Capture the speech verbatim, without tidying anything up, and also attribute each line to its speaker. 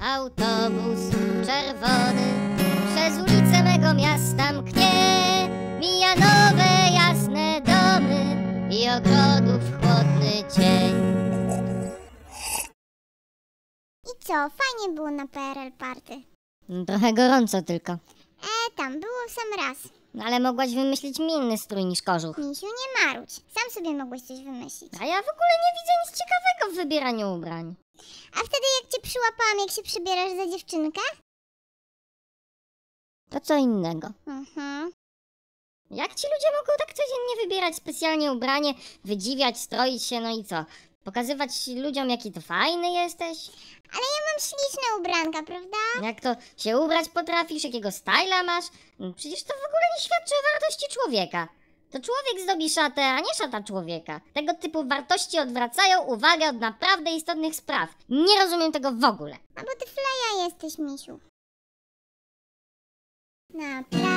Speaker 1: Autobus czerwony przez ulice mego miasta mknie, mija nowe jasne domy i ogrodów chłodny cień.
Speaker 2: I co, fajnie było na P R L Party.
Speaker 1: Trochę gorąco tylko.
Speaker 2: E, tam było w sam raz.
Speaker 1: No ale mogłaś wymyślić mi inny strój niż kożuch.
Speaker 2: Misiu, nie marudź. Sam sobie mogłeś coś wymyślić.
Speaker 1: A ja w ogóle nie widzę nic ciekawego w wybieraniu ubrań.
Speaker 2: A wtedy jak cię przyłapałam, jak się przebierasz za dziewczynkę?
Speaker 1: To co innego.
Speaker 2: Mhm.
Speaker 1: Jak ci ludzie mogą tak codziennie wybierać specjalnie ubranie, wydziwiać, stroić się, no i co? Pokazywać ludziom, jaki to fajny jesteś?
Speaker 2: Ale ja mam śliczne ubranka, prawda?
Speaker 1: Jak to się ubrać potrafisz, jakiego styla masz? No przecież to w ogóle nie świadczy o wartości człowieka. To człowiek zdobi szatę, a nie szata człowieka. Tego typu wartości odwracają uwagę od naprawdę istotnych spraw. Nie rozumiem tego w ogóle.
Speaker 2: A bo ty fleja jesteś, misiu. Naprawdę.